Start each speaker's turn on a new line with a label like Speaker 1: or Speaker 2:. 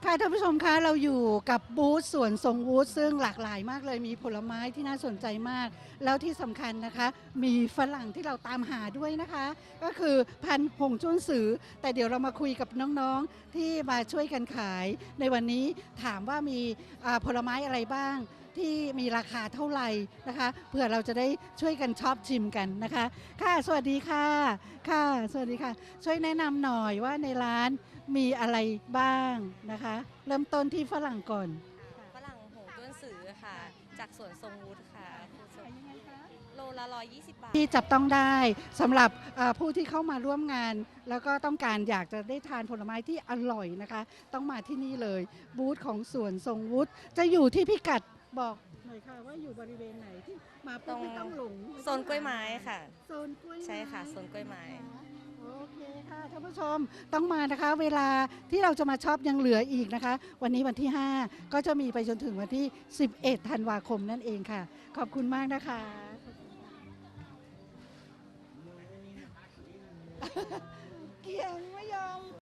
Speaker 1: ค่ะท่านผู้ชมคะเราอยู่กับบูธสวนทรงวุฒิซึ่งหลากหลายมากเลยมีผลไม้ที่น่าสนใจมากแล้วที่สำคัญนะคะมีฝรั่งที่เราตามหาด้วยนะคะก็คือพันธุ์หงจุ้นสือแต่เดี๋ยวเรามาคุยกับน้องๆที่มาช่วยกันขายในวันนี้ถามว่ามีผลไม้อะไรบ้างที่มีราคาเท่าไหร่นะคะเพื่อเราจะได้ช่วยกันชอบชิมกันนะคะค่ะสวัสดีค่ะค่ะสวัสดีค่ะช่วยแนะนำหน่อยว่าในร้านมีอะไรบ้างนะคะเริ่มต้นที่ฝรั่งก่อน
Speaker 2: ฝรั่งหงต้วนสือค่ะจากสวนทรงวุฒิค่ะโลละ120 บาท
Speaker 1: ที่จับต้องได้สำหรับผู้ที่เข้ามาร่วมงานแล้วก็ต้องการอยากจะได้ทานผลไม้ที่อร่อยนะคะต้องมาที่นี่เลยบูธของสวนทรงวุฒิจะอยู่ที่พิกัดบอกหน่อยค่ะว่าอยู่บริเวณไหนที่มาปุ๊บไม่ต้องหลง
Speaker 2: โซนกล้วยไม้ค่ะ
Speaker 1: โซนกล้วยไม้
Speaker 2: ใช่ค่ะโซนกล้วยไม้
Speaker 1: โอเคค่ะท่านผู้ชมต้องมานะคะเวลาที่เราจะมาช็อปยังเหลืออีกนะคะวันนี้วันที่ 5 ก็จะมีไปจนถึงวันที่ 11 ธันวาคมนั่นเองค่ะขอบคุณมากนะคะเกียงไม่ยอม